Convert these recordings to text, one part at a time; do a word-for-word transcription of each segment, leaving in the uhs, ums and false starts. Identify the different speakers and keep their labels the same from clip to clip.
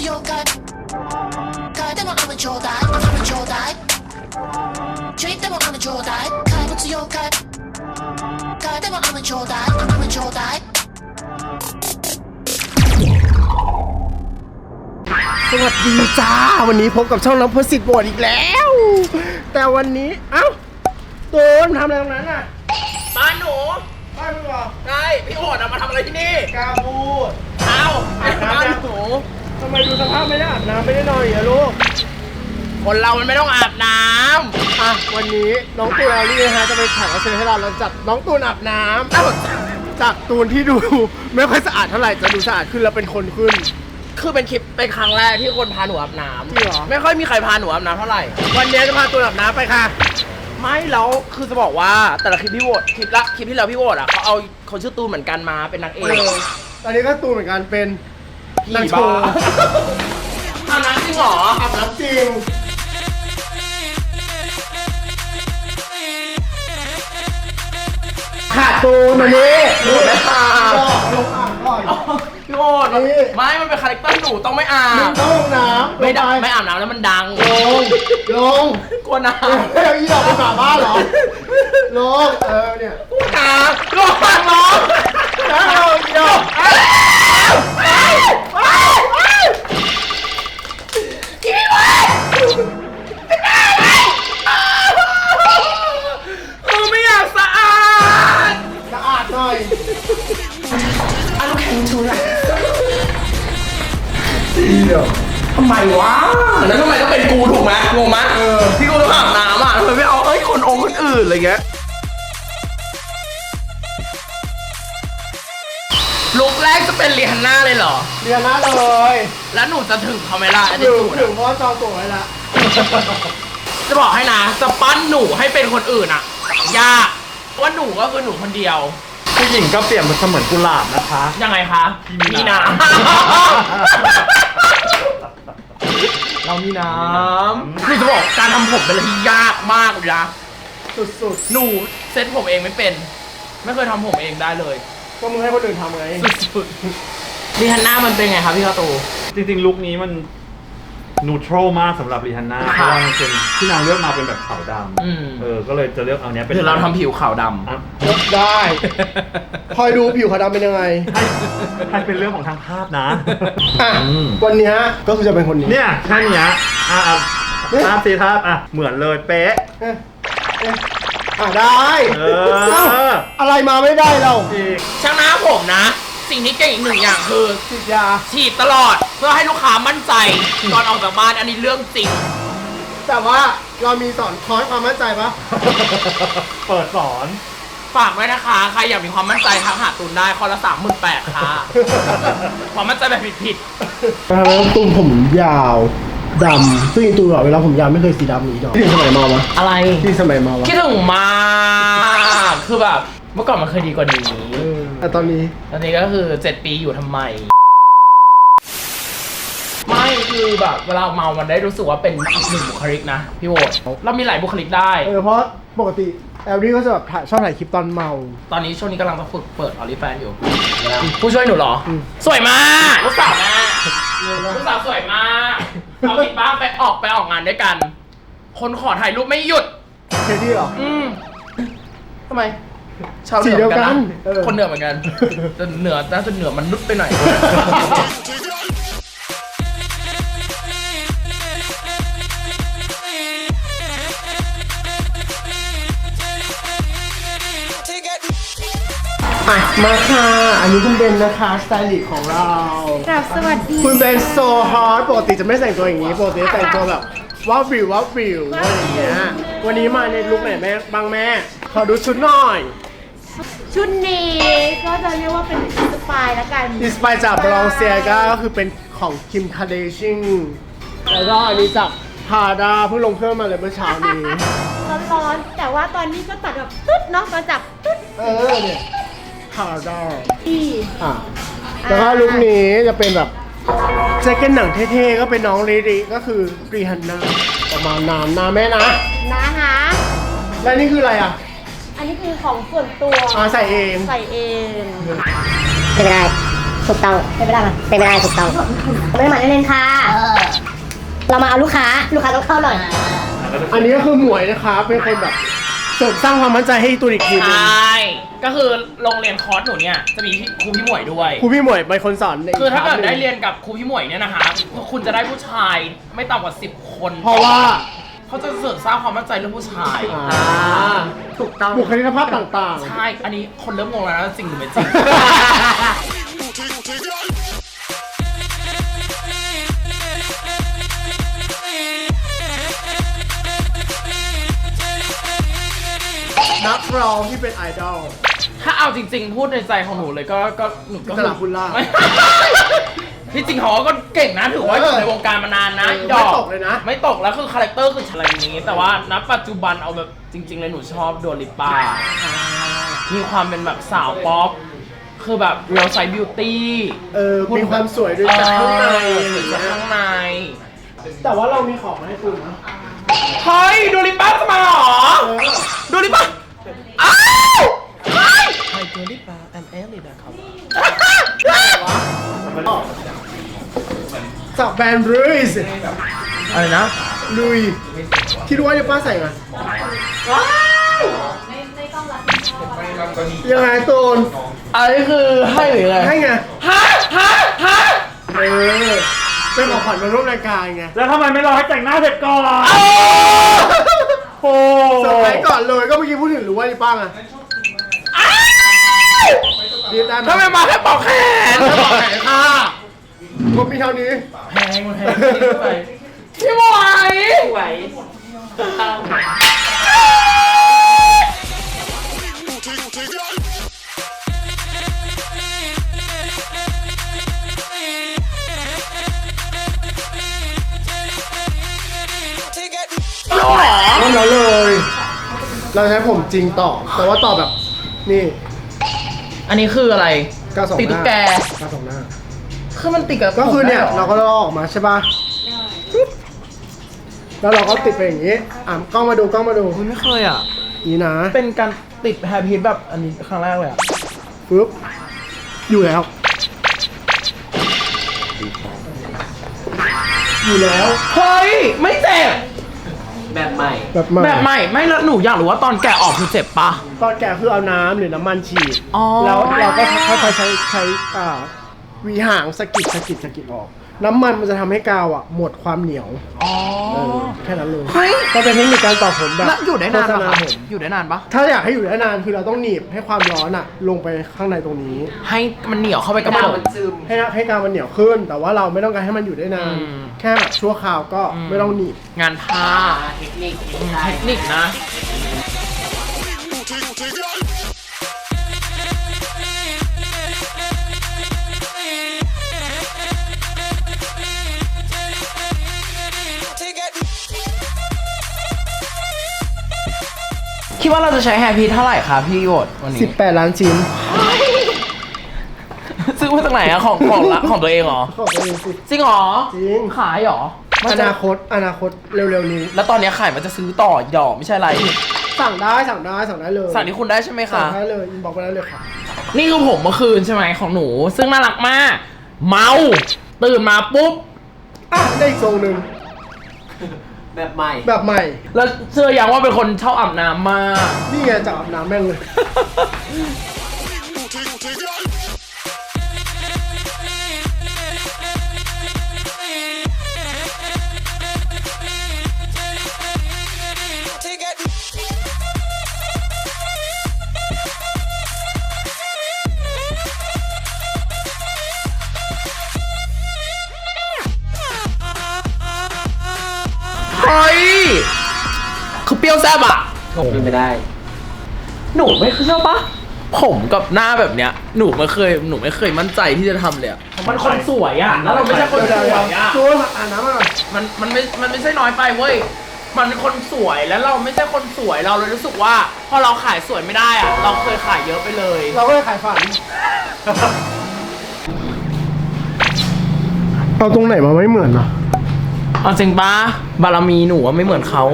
Speaker 1: to your gut. God, they want I'ma draw that. I'ma draw that. Drink, they want I'ma draw that. God, to your gut. God, they want I'ma draw that. I'ma draw that.
Speaker 2: สวัสดีจ้าวันนี้พบกับช่องน้องพสิทธิ์บดอีกแล้วแต่วันนี้เอ้าตูนทำอะไรตรงนั้นอ่ะ
Speaker 3: บ้านหนู
Speaker 2: บ้านมึงเหรอ
Speaker 3: ใช่พี่โอดอะมาทำอะไรที่นี่
Speaker 2: กาบูด
Speaker 3: เอ้า
Speaker 2: อาบน้ำ
Speaker 3: บ้าน
Speaker 2: ยัง
Speaker 3: หนู
Speaker 2: ทำไมดูสภาพไม่ได้อาบน้ำไม่ได้นอนเหรอลูก
Speaker 3: คนเรามันไม่ต้องอาบน้
Speaker 2: อ่ะวันนี้น้องตูนเอาลี่นะฮะจะไปแข่งเอาเชิญให้เราเราจัดน้องตูนอาบน้
Speaker 3: ำเอ้า
Speaker 2: ำจากตูนที่ดูไม่ค่อยสะอาดเท่าไหร่จะดูสะอาดขึ้นแล้วเป็นคนขึ้น
Speaker 3: คือเป็นคลิปเป็นครั้งแรกที่คนพาหนูอาบน้
Speaker 2: จริงเหรอ
Speaker 3: ำไม่ค่อยมีใครพาหนูอาบน้ำเท่าไหร่
Speaker 2: วันนี้จะพาตูนอาบน้ำไปค่ะ
Speaker 3: ไม่แล้วคือจะบอกว่าแต่ละคลิปพี่โอดคลิปละคลิปที่แล้วพี่โอดอะเขาเอาคนชื่อตูนเหมือนกันมาเป็นนางเอ
Speaker 2: เอก อตอนนี้ก็ตูนเหมือนกันเป็น
Speaker 3: พี่
Speaker 2: นางโช
Speaker 3: บ้า
Speaker 2: ว์
Speaker 3: อาบน้ำจริงเหรอ
Speaker 2: อาบน้ำจริงขาดตูนวันนี้
Speaker 3: หนูไม่อาบ
Speaker 2: ลงอ่างก่อน
Speaker 3: พี่โอด
Speaker 2: นี่
Speaker 3: ไม่มันเป็นคาแรคเตอร์หนูต้องไม่อา
Speaker 2: มึ
Speaker 3: บ
Speaker 2: งต้องลงน้ำ
Speaker 3: ไม่ได้
Speaker 2: ลง
Speaker 3: ไม่อาบน้ำแล้วมันดัง
Speaker 2: ลงลง
Speaker 3: กลัวน้
Speaker 2: เฮ้ยอีดอกเป็นหมาบ้าเหรอลงเออเนี่ย
Speaker 3: ำน้ำร้องร้อง
Speaker 2: แล้วลงอีดอก
Speaker 3: คือไม่อยากสะอาด
Speaker 2: สะอาดหน่อย
Speaker 3: เอาลูกแข็งชูละ
Speaker 2: อีดอก
Speaker 3: ทำไมวะแล้วทำไมต้องเป็นกูถูกไหมงงไหมเออที่กูต้องอาบน้ำอ่ะทำไมไม่เอาเอ้ยคนองค์คนอื่นอะไรเงี้ยลุกแรกจะเป็นเรียนหน้าเลยเหรอ
Speaker 2: เรียนนะเลย
Speaker 3: แล้วหนูจะถึงเขาไหมล่ะไอ้
Speaker 2: ถึง
Speaker 3: จูด
Speaker 2: ถึงเพราะว่าจองตั๋วไว้ละ
Speaker 3: จะบอกให้นะจะปั้นหนูให้เป็นคนอื่นอ่ะยากว่าหนูก็คือหนูคนเดียว
Speaker 4: ผู้หญิงก็เปรียบมันเสมือนกุหลาบนะคะ
Speaker 3: ยังไงคะมีน้ำ เรามีน้ำคือจะบอกการทำผมเป็นอะไรที่ยากมากเลยนะ
Speaker 2: สุด
Speaker 3: หนูเซ็ตผมเองไม่เป็น ไม่เคยทำผมเองได้เลย
Speaker 2: ๆก็มึงให้คนอื่นทำไง
Speaker 3: สุดๆรีฮันน่ามันเป็นไงครับพี่ข้าวตู
Speaker 4: จริงๆลุคนี้มันนูโตรมากสำหรับรีฮันน่าเพราะว่ามันเป็นที่นางเลือกมาเป็นแบบขาวด
Speaker 3: อืม
Speaker 4: ำเออก็เลยจะเลือกเอาเนี้ยเป็น
Speaker 3: หรือเราทำผิวขาวด
Speaker 4: อ่ะ
Speaker 2: ได้ คอยดูผิวขาวดำเป็นยังไง
Speaker 4: ให้ให้เป็นเรื่องของทางภาพนะ
Speaker 2: อ่ะ
Speaker 4: อืม
Speaker 2: วันเนี้ยก็คือจะเป็นคนนี้
Speaker 4: เนี่ยแค่เนี้ยอ่ะอ่ะ
Speaker 2: เนี่ย
Speaker 4: ภาพสีภาพอ่ะเหมือนเลยเป๊ะ
Speaker 2: เอ๊ะเอ๊ะอ่ะได้
Speaker 4: เออ
Speaker 2: เอ้าอะไรมาไม่ได้เรา
Speaker 4: อีก
Speaker 3: ำช่างหน้าผมนะ สิ่งที่เก่งอีกหนึ่งอย่างคือ
Speaker 2: ฉีดยา
Speaker 3: ฉีดตลอดเพื่อให้ลูกค้ามั่นใจตอนออกจากบ้านอันนี้เรื่องจริง
Speaker 2: แต่ว่าเรามีสอนคอร์สความมั่นใจปะ
Speaker 4: เปิดสอน
Speaker 3: ฝากไว้นะคะ ใครอยากมีความมั่นใจทักหาตูนได้คอละสามหมื่นแปดค่ะ ความมั่นใจแบบผิด
Speaker 2: แล้วตุ้มผมยาวดำซึ่งอีตูนอะเวลาผมยาวไม่เคยสีดำนี้ดอกที่สมัยมาวะ
Speaker 3: ๆอะไร
Speaker 2: ที่สมัยมาวะ
Speaker 3: คิดถึงมากคือแบบเมื่อก่อนมันเคยดีกว่านี้
Speaker 2: เออแต่ตอนนี้
Speaker 3: ตอนนี้ก็คือเจ็ดปีอยู่ทำไม ไม่คือแบบเวลาเมามันได้รู้สึกว่าเป็นอีกหนึ่งบุคลิกนะพี่โวดเรามีหลายบุคลิกได้
Speaker 2: เออเพราะปกติแอลลี่ก็จะแบบถ่ายชอบถ่ายคลิปตอนเมา
Speaker 3: ตอนนี้ช่วงนี้กำลังจะฝึกเปิดออลิแฟนอยู่ ผู้ช่วยหนูเหรอ
Speaker 2: อืม
Speaker 3: สวยมากลูกสาวแม่ลูกสาวสวยมากเอาติดบ้านไปออกไปออกงานด้วยกัน คนขอถ่ายรูปไม่หยุด
Speaker 2: เคดี้เหรอ
Speaker 3: อืมทำไมชาวเหนือเหมือนกัน
Speaker 2: สีเดียวกั
Speaker 3: นะ
Speaker 2: นเออ
Speaker 3: คนเหนือเหมือนกันแต่เหนือน่าจะเหนือมันนุษย์ไปหน่อย
Speaker 2: อ่ะมาค่ะอันนี้คุณเบนนะคะสไตลิสต์ของเรา
Speaker 5: ครับสวัสดี
Speaker 2: คุณเบนโซฮอตปกติจะไม่แต่งตัวอย่างนี้ปกติจะแต่งตัวแบบว้าววิวว้าววิวอะไรอย่างเงี้ยวันนี้มาในลุคไหนแม่บ้างแม่ขอดูชุดหน่อย
Speaker 5: ชุดนี้ก็จะเรียกว่าเป็นอินสปายแล้วกัน
Speaker 2: อินสปายจากบลองเซียก็คือเป็นของคิมคาเดชิงแล้วก็อันนี้จากพาดาเพิ่งลงเครื่องมาเลยเมื่อเช้านี้
Speaker 5: ร้อนๆแต่ว่าตอนนี้ก็ตัดแบบตุ๊ดเนาะมาจากตุ๊ด
Speaker 2: เออเนี่ยพาดา
Speaker 5: ที่
Speaker 2: อ่ะแล้วก็ลุคนี้จะเป็นแบบแจ็คเก็ตหนังเท่ๆก็เป็นน้องริริก็คือรีฮันน่าประมาณนานนะแม่นะ
Speaker 5: นะคะ
Speaker 2: แล้วนี่คืออะไรอ่ะ
Speaker 5: อันนี้คือของส่วนตัว
Speaker 2: อ่าใส่เอง
Speaker 5: ใส่เอง
Speaker 2: เป็นไง
Speaker 6: ถูกต้องเป็นไม่ได้มาเป็นไม่ได้ถูกต้องไม่ได้มาเล่นๆค่ะเรามาเอาลูกค้าลูกค้าต้องเข้าหน่อย
Speaker 2: อันนี้ก็คือหมวยนะคะเป็นคนแบบเสริมสร้างความมั่นใจให้ตัวอีกที
Speaker 3: ใช
Speaker 2: นึง่
Speaker 3: ก็คือโรงเรียนคอร์สหนูเนี่ยจะมีครูพี่หมวยด้วย
Speaker 2: ครูพี่หมวยเป็นคนสอนใน
Speaker 3: คือถ้าเกิด
Speaker 2: คลสห
Speaker 3: ได้
Speaker 2: นึ่ง
Speaker 3: เรียนกับครูพี่หมวยเนี่ยนะคะคุณจะได้ผู้ชายไม่ต่ำกว่าสิบคน
Speaker 2: เพราะว่า
Speaker 3: เขาจะเสริมสร้างความมั่นใจเรื่องผู้ชาย
Speaker 2: อ่า
Speaker 6: ถูกต้อง
Speaker 2: บุคลิกภาพต่างๆ
Speaker 3: ใช่ อันนี้คนเริ่มงงแล้วนะจริงหรือไม่จริง
Speaker 2: นักร้องที่เป็นไอดอล
Speaker 3: ถ้าเอาจริงๆ พูดในใจของหนูเลยก็ก็หนูก็
Speaker 2: อิสระคุณล่า
Speaker 3: ไม่ที่จริงเขาก็เก่งนะถือว่าอยู่ในวงการมานานนะ
Speaker 2: เออ
Speaker 3: หยอก
Speaker 2: ไม่ตกเลยนะ
Speaker 3: ไม่ตกแล้วคือคาแรคเตอร์คืออะไรอย่างนี้ แต่ว่าณปัจจุบันเอาแบบจริง ๆ เลยหนูชอบโดลิป้ามีความเป็นแบบสาวป๊อปคือแบบ real side beauty
Speaker 2: เออมีความสวยด้วยจากข้างใน
Speaker 3: เออ
Speaker 2: อะไรอย่าง
Speaker 3: จาก
Speaker 2: เงี้ย
Speaker 3: ข้างใน
Speaker 2: แต่ว่าเรามีของมาให้คุณนะ
Speaker 3: เฮ้ยโดลิป้าจะมาเหรอ
Speaker 2: เออ
Speaker 3: โดลิป้าอ้าวเฮ้ยไฮโดลิป้าแอมเอลลี่นะครับ
Speaker 2: จากแบรนด์ลุยส์
Speaker 3: อะไรนะ
Speaker 2: ลุยที่รู้ว่าจะป้าใส่มายังไงตูน
Speaker 3: อันนี้คือให้หรือไง
Speaker 2: ให้ไง
Speaker 3: ฮะฮะฮะ
Speaker 2: เออเป็นของขวัญมาร่วมรายการไง
Speaker 4: แล้วทำไมไม่รอให้แต่งหน้าเสร็จก่อน โอ้
Speaker 2: เซอร์ไพรส์ก่อนเลยก็เมื่อกี้พูดถึงรู้ว่าจะป้าไงรีบได้ไหม
Speaker 3: ทำไมมาแค่ปอกแขน
Speaker 2: แล้วบอกไหนค่ะงบมีเท่านี้
Speaker 3: แพงมันแพงไปพี่ไหวไหว
Speaker 2: เริ่มแล้วเลย เราใช้ผมจริงต่อ แต่ว่าต่อแบบ นี่
Speaker 3: อันนี้คืออะไร
Speaker 2: กาวสองห
Speaker 3: ติด
Speaker 2: น้า
Speaker 3: ตุ๊กแก
Speaker 2: กาวสองหน้า
Speaker 3: คือมันติดกับ
Speaker 2: ก็คือเนี่ย
Speaker 3: ผมได้ห
Speaker 2: เราก็ลอกออกมาใช่ป่ะปึ๊บแล้วเราก็ติดไปอย่างนี้ อ่ะกล้องมาดูกล้องมาดู
Speaker 3: มันไม่เคยอ่ะ
Speaker 2: นี่นะ
Speaker 3: เป็นการติดแฮร์พีทแบบอันนี้ครั้งแรกเลยอ่ะ
Speaker 2: ปึ๊บ อยู่แล้ว อยู่แล้ว
Speaker 3: เฮ้ย ไม่เจ็บ
Speaker 2: แบบใหม่
Speaker 3: แบบใหม่ไม่แล้วหนูอยากรู้ว่าตอนแกะออกคือเจ็บปะ
Speaker 2: ตอนแกะคือเอาน้ำหรือน้ำมันฉีด
Speaker 3: อ๋อ
Speaker 2: แล้วเราก็ค่อยๆใช้ใช้อ่าหวีหางสะกิดสะกิดสะกิดออก น้ำมันมันจะทำให้กาวอ่ะหมดความเหนียว
Speaker 3: อ๋อ
Speaker 2: เออแค่นั้นเลย
Speaker 3: เฮ้ย
Speaker 2: ก็เป็นเทคนิคการต่อผมแบบ
Speaker 3: แล้วอยู่ได้นาน
Speaker 2: โฆษ
Speaker 3: ปะ
Speaker 2: ณ
Speaker 3: คะ
Speaker 2: ผม
Speaker 3: อยู่ได้นานปะ
Speaker 2: ถ้าอยากให้อยู่ได้นานคือเราต้องหนีบให้ความร้อนอ่ะ ลงไปข้างในตรงนี้
Speaker 3: ให้มันเหนียวเข้าไปกับผม
Speaker 2: ให้ให้กาวมันเหนียวขึ้น แต่ว่าเราไม่ต้องการให้มันอยู่ได้นาน
Speaker 3: อืม
Speaker 2: แค่แบบชั่วคราวก็
Speaker 3: อืม
Speaker 2: ไม่ต้องหนีบ
Speaker 3: งานผ้าเทคนิคเทคนิคนะ คิดว่าเราจะใช้แฮร์พีทเท่าไหร่คะพี่โยดวันนี้
Speaker 2: สิบแปดล้านชิ้น
Speaker 3: ซื้อมาจากไหนอะของของละของตัวเองเหรอ
Speaker 2: ขอบคุณสิ
Speaker 3: จริงเหรอ
Speaker 2: จริง
Speaker 3: ขายเหรอ
Speaker 2: อนาคตอนาคตเร็วๆนี้
Speaker 3: แล้วตอนนี้ขายมันจะซื้อต่อหยอกไม่ใช่อะไร
Speaker 2: สั่งได้สั่งได้สั่งได้เลย
Speaker 3: สั่งที่คุณได้ใช่ไหม
Speaker 2: สั่
Speaker 3: คะ
Speaker 2: งได้เลยอินบ็อกซ์ไปได้เลยค่ะ
Speaker 3: นี่คือผมเมื่อคืนใช่ไหมของหนู ซึ่งน่ารักมาก เมาตื่นมาปุ๊บ
Speaker 2: อ่ะได้อีกทรงหนึ่ง
Speaker 7: แบบใหม่
Speaker 2: แบบใหม่
Speaker 3: แล้วเชื่อยังว่าเป็นคนชอบอาบน้ำมาก
Speaker 2: นี่ไงจับอาบน้ำแม่งเลย
Speaker 3: เฮ้ย คือเปรี้ยวแซ่บอะ
Speaker 7: เป็นไม่ได้
Speaker 3: หนูไม่เชื่อปะผมกับหน้าแบบเนี้ย หนูไม่เคย หนูไม่เคยมั่นใจที่จะทำเลยอะมันคนสวยอะแล้วเราไม่ใช่คนสวยอะ
Speaker 2: จูนอ่านน้ำมาหน่อย
Speaker 3: มันมันไม่ มันไม่ใช่น้อยไปเว้ย มันเป็นคนสวยแล้วเราไม่ใช่คนสวยเราเลยรู้สึกว่าพอเราขายสวยไม่ได้อะเราเคยขายเยอะไปเลย
Speaker 2: เราก็เลยขายฝัน เอาตรงไหนมาไม่เหมือนนะ
Speaker 3: เอาจริงปะบารมีหนูว่าไม่เหมือนเขา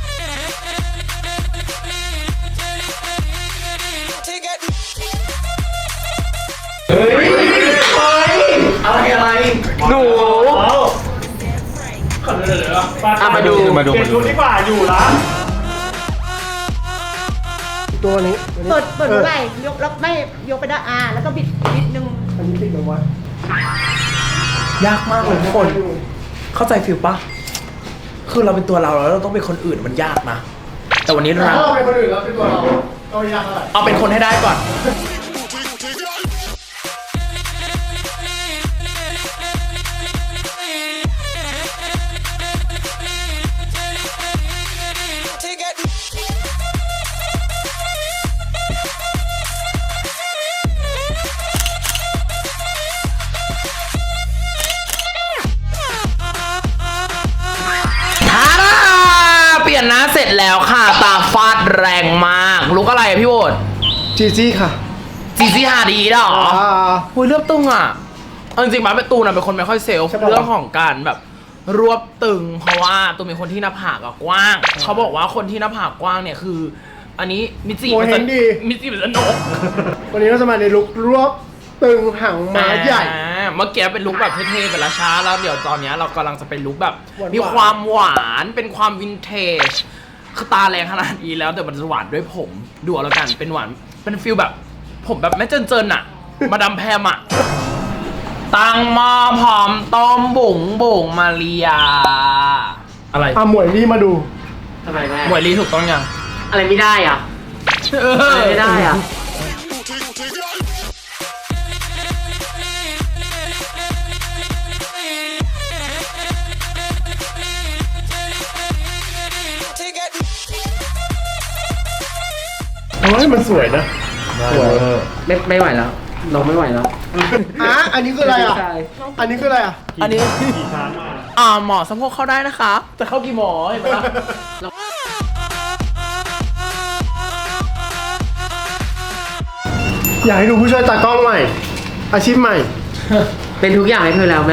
Speaker 8: Take it.
Speaker 3: อ่ะมาดู
Speaker 4: มาดูเปลี่ยนชุดดีกว่าอยู่ละ
Speaker 2: ตัวนี้
Speaker 5: เปิดเปิดเมื่อไหร่ยกแล้วไม่ยกไปด้านอ่าแล้วก็บิดนิดนึง
Speaker 2: อันนี้ติดลงวะ
Speaker 3: ยากมากเลยทุกคน เข้าใจฟิลปะคือเราเป็นตัวเราแล้วเราต้องเป็นคนอื่นมันยากนะ แต่วันนี้
Speaker 2: ถ้า
Speaker 3: เรา
Speaker 2: เราเป็นคนอื่นแล้วเป็นตัวเราก็ไม่ยากเท่าไหร่
Speaker 3: เอาเป็นคนให้ได้ก่อน ทาราเปลี่ยนหน้าเสร็จแล้วค่ะ ตาฟาดแรงมากลุกอะไรอะพี่โบด
Speaker 2: จีจี้ค่ะ
Speaker 3: จีซี่ฮาดีเหรอ
Speaker 2: อ่า
Speaker 3: หุยเลือบตึงอ่ะเอาจริงๆมาเป็นตูนอะเป็นคนไม่ค่อยเซลฟ์
Speaker 2: ใช่ปะ
Speaker 3: เรื่องของการแบบรวบตึง เพราะว่าตูนเป็นคนที่หน้าผากอะกว้าง เขาบอกว่าคนที่หน้าผากกว้างเนี่ยคือ อันนี้มิจิ
Speaker 2: โมเห็นดี
Speaker 3: มิจิเป็นนก
Speaker 2: วันนี้เราจะมาในลุครวบตึงหางม้าใหญ่
Speaker 3: อ่าเมื่อกี้เป็นลุคแบบเท่ๆเป็นละช้าแล้วเดี๋ยวตอนเนี้ยเรากำลังจะเป็นลุคแบบ
Speaker 2: หวานๆ
Speaker 3: มีความหวานเป็นความวินเทจคือตาแรงขนาดนี้แล้วแต่มันจะหวานด้วยผมดูเอาแล้วกันเป็นหวานเป็นฟิลแบบ ผมแบบแม่เจินๆอะมาดามแพมอะตั้งหม้อพร้อมต้มบุ๋งบุ๋งมาเรีย อะไร
Speaker 2: อ่ะหมวยลี่มาดู
Speaker 7: ทำไมแม่
Speaker 3: หมวยลีถูกต้องยัง
Speaker 7: อะไรไม่ได้อ่ะ
Speaker 3: เอ
Speaker 7: อะไรไม่ได้อ่ะ
Speaker 2: เฮ้ยมันสวยนะ สวย
Speaker 7: ไม่ไม่ไหวแล้วลงไม่ไหวแล้ว
Speaker 2: อ่ะอันนี้คืออะไรอ่ะ
Speaker 7: ใช่
Speaker 2: อันนี้คืออะไรอ่ะ
Speaker 3: อันนี้
Speaker 4: ขี่ช้างมา
Speaker 3: อ่าหมอสะโพกเข้าได้นะคะจะเข้ากี่หมอเห็นไหมล่ะ
Speaker 2: อยากให้ดูผู้ช่วยตากล้องใหม่ อาชีพใหม่
Speaker 7: เป็นทุกอย่างให้เธอแล้วแม่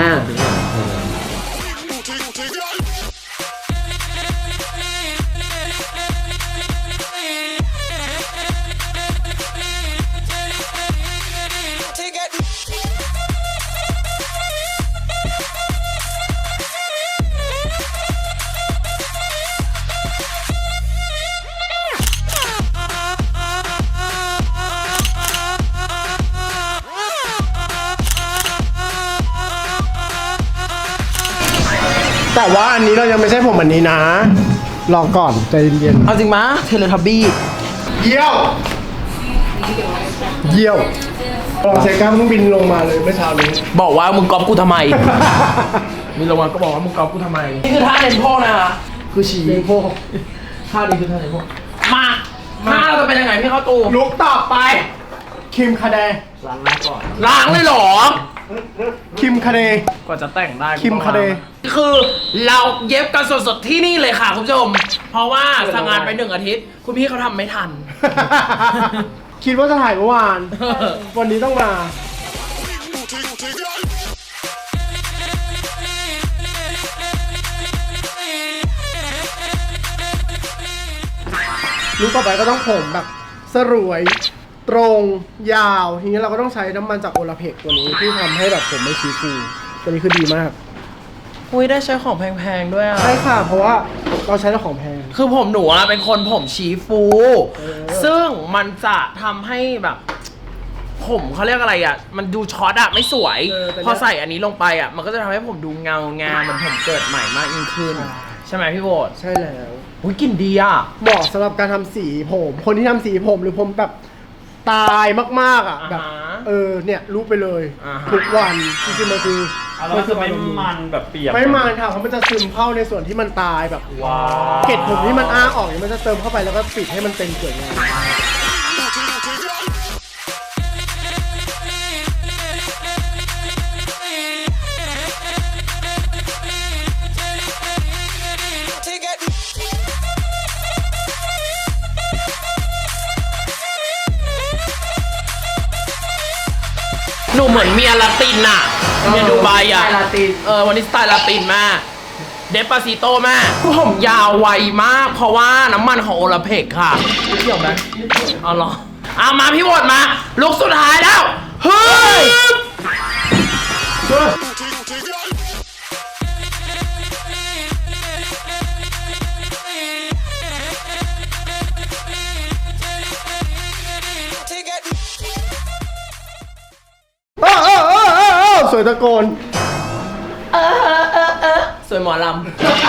Speaker 2: แต่ว่าอันนี้เรายังไม่ใช่ผมอันนี้นะ รอก่อนใจเย็น
Speaker 3: เอาจริงมะเทเลทับบี้
Speaker 2: ๆเยี่ยว เยี่ยวลองเซก้าเพิ่งบินลงมาเลยเมื่อเช้านี้
Speaker 3: บอกว่ามึงก๊อปกูทำไม มีรางวัลก็บอกว่ามึงก๊อปกูทำไม นี่คือท่าเน้นโพกนะคะคือฉี่โพกท่านี้คือท่าเน้นโพกมาท่าเราจะเป็นยังไงพี่เข้าตู
Speaker 2: ลุกต่อไป คิมคาเด
Speaker 3: ล้างเลยเหรอ
Speaker 2: คิมคาเด
Speaker 3: กว่าจะแต่งได้
Speaker 2: คิมคาเด
Speaker 3: คือเราเย็บกันสดๆที่นี่เลยค่ะคุณผู้ชม เพราะว่าสั่งงานไปหนึ่งอาทิตย์ คุณพี่เขาทำไม่ทัน
Speaker 2: คิดว่าจะถ่ายเมื่อวาน วันนี้ต้องมา ลุกต่อไปก็ต้องผมแบบสรวย ตรงยาวทีนี้เราก็ต้องใช้น้ำมันจากโอลาเพกตัวนี้ที่ทำให้แบบผมไม่ชี้ฟูตัวนี้คือดีมาก
Speaker 3: อุ้ยได้ใช้ของแพงๆด้วยอ่ะ
Speaker 2: ใช่ค่ะ เพราะว่าเราใช้แต่ของแพง
Speaker 3: คือผมหนูอะเป็นคนผมชี้ฟู ซึ่งมันจะทำให้แบบ ผมเขาเรียกอะไรอ่ะ มันดูช็อตอ่ะไม่สวย
Speaker 2: เออแต่เนี่ย
Speaker 3: พอใส่อันนี้ลงไปอ่ะ มันก็จะทำให้ผมดูเงางามมันผมเกิดใหม่มากยิ่งขึ้น ใช่ไหมพี่โบด
Speaker 2: ใช่แล้ว
Speaker 3: อุ้ยกลิ่นดีอ่ะ
Speaker 2: เหมาะสำหรับการทำสีผม คนที่ทำสีผมหรือผมแบบตายมากๆอ่ะ
Speaker 3: อ่าฮะ
Speaker 2: แบบเออเนี่ยรู้ไปเลย
Speaker 3: อ่าฮะ
Speaker 2: ทุกวันจริงๆมันคือ
Speaker 4: แล้วมันจะไม่มันแบบเปียก
Speaker 2: ไม่มันค่ะเพราะมันจะซึมเข้าในส่วนที่มันตายแบบ
Speaker 4: ว้าว
Speaker 2: เกล็ดผมที่มันอ้าออกเนี่ยมันจะเติมเข้าไปแล้วก็ปิดให้มันเต็มสวยงาม
Speaker 3: หนูเหมือนเมียลาตินอ่ะเมียดูไบอ่ะ
Speaker 7: สไตล์ลาติน
Speaker 3: เออวันนี้สไตล์ลาตินมาก เดปาซิโต้มากผมยาวไวมาก เพราะว่าน้ำมันของโอลาเพกค่ะเกี่ยวไหมเอาเหรอเอามาพี่โบดมา ลุกสุดท้ายแล้ว เฮ้ย
Speaker 2: เสวยตะโกน
Speaker 3: เออเออเออเออสวยหมอลำ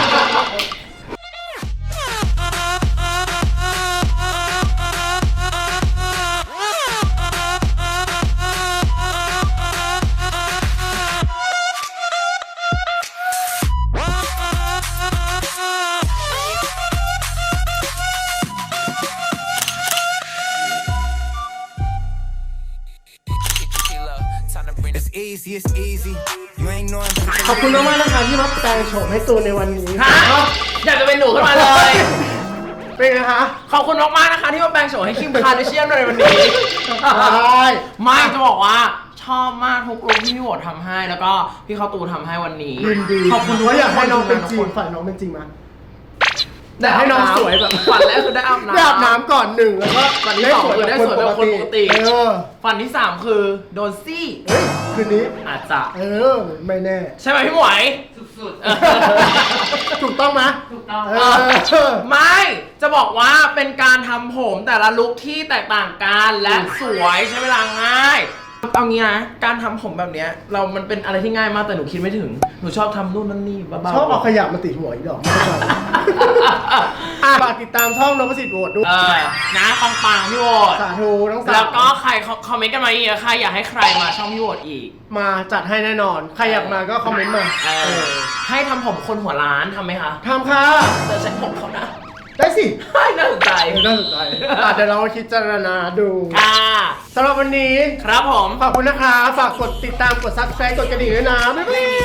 Speaker 8: It's easy, it's easy. You ain't know I'm
Speaker 2: ขอบคุณมากๆนะคะที่มาแปลงโฉมให้ตูนในวันนี้
Speaker 3: ฮะอยากจะเป็นหนูขึ้นมาเลย
Speaker 2: เป็นไงคะ
Speaker 3: ขอบคุณมากๆนะคะที่มาแปลงโฉมให้คิมคาร์เดเชียนในวันนี้
Speaker 2: ได้
Speaker 3: ไม่จะบอกว่าชอบมากทุกลุคที่พี่โหวตทำให้ แล้วก็พี่เข้าตูทำให้วันนี้
Speaker 2: ยินดี
Speaker 3: ขอบคุณทุก
Speaker 2: ว่าอยากให้น้องเป็นจริง
Speaker 3: ทุกค
Speaker 2: ฝันน้องเป็นจริงมั้ย
Speaker 3: ได้
Speaker 2: ให้น้องสวยแบบ
Speaker 3: ฝันแรกคือได้อาบน้ำ
Speaker 2: ได้อาบน้ำก่อนหนึ่งแล้วก็
Speaker 3: ฝันที่สองคือได้สวยแบบคนปกติ
Speaker 2: เออ
Speaker 3: ฝันที่สามคือโดนซี่
Speaker 2: เฮ้ยคืนนี้
Speaker 3: อาจจะ
Speaker 2: เออไม่แน่
Speaker 3: ใช่ไหมพี่หมวยสุดๆ
Speaker 2: ถูกต้องไหม
Speaker 3: ถูกต้อง
Speaker 2: เออ
Speaker 3: ไม่จะบอกว่าเป็นการทำผมแต่ละลุคที่แตกต่างกันและสวยใช้เวลาง่ายเอางี้นะการทำผมแบบเนี้ยเรามันเป็นอะไรที่ง่ายมากแต่หนูคิดไม่ถึงหนูชอบทำนู่นนั่นนี่บ้าๆ
Speaker 2: ชอบเอาขยะมาติดหัวอีกดอกไม่เข้าใจอ่ะฝากติดตามช่องนพสิทธิ์โหวตด้วย
Speaker 3: เออนะปังๆพี่โหวต
Speaker 2: สาธุทั้งสาม
Speaker 3: แล้วก็ใครคอมเมนต์กันมาอีกอะใครอยากให้ใครมาช่องพี่โหวตอีก
Speaker 2: มาจัดให้แน่นอน ใครอยากมาก็คอมเมนต์มา
Speaker 3: เอ
Speaker 2: เอ
Speaker 3: อ
Speaker 2: อ
Speaker 3: ให้ทำผมคนหัวล้านทำไหมคะ
Speaker 2: ทำค่ะ
Speaker 3: เดี๋ยวใช้ผมเขานะ
Speaker 2: ได้สิ
Speaker 3: น่าสนใจ
Speaker 2: เออน่าสนใจอ่ะเดี๋ยวเราคิดจารณาดู
Speaker 3: ค่ะ
Speaker 2: สำหรับวันนี้
Speaker 3: ครับผม
Speaker 2: ขอบคุณนะคะ ฝากกดติดตามกด ซับสไครบ์ กดกระดิ่งด้วยนะ บ๊ายบาย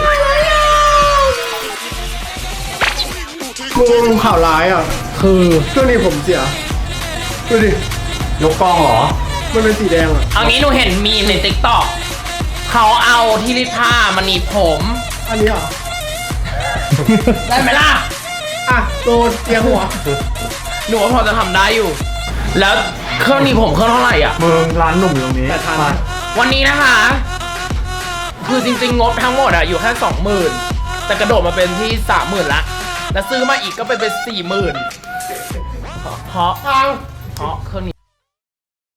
Speaker 2: มึงข่าวร้ายอ่ะ คือช่วงนี้ผมเสีย ดูดิ
Speaker 4: ยกกล้องเหรอ
Speaker 2: มันเป็นสีแดงอ่ะ
Speaker 3: เอางี้หนูเห็นมีมในติ๊กต็อกเขาเอาที่รีดผ้ามาหนีบผม
Speaker 2: อันนี้เหรอ
Speaker 3: ได้ไหมล่ะ
Speaker 2: อ่ะโดนเตียงหัว
Speaker 3: หนูว่าพอจะทำได้อยู่ แล้วเครื่องหนีบผมเครื่องเท่าไหร่อ่ะ
Speaker 4: มึงร้านหนุ่มอยู่ตรงนี้
Speaker 2: แปดพัน
Speaker 4: มา
Speaker 3: วันนี้นะคะ คือจริงๆ งบทั้งหมดอะอยู่แค่สองหมื่นแต่กระโดดมาเป็นที่สามหมื่นละแล้วซื้อมาอีกก็ไปเป็นสี่หมื่นเพราะ
Speaker 2: ฟัง
Speaker 3: เพราะเครื่องนี้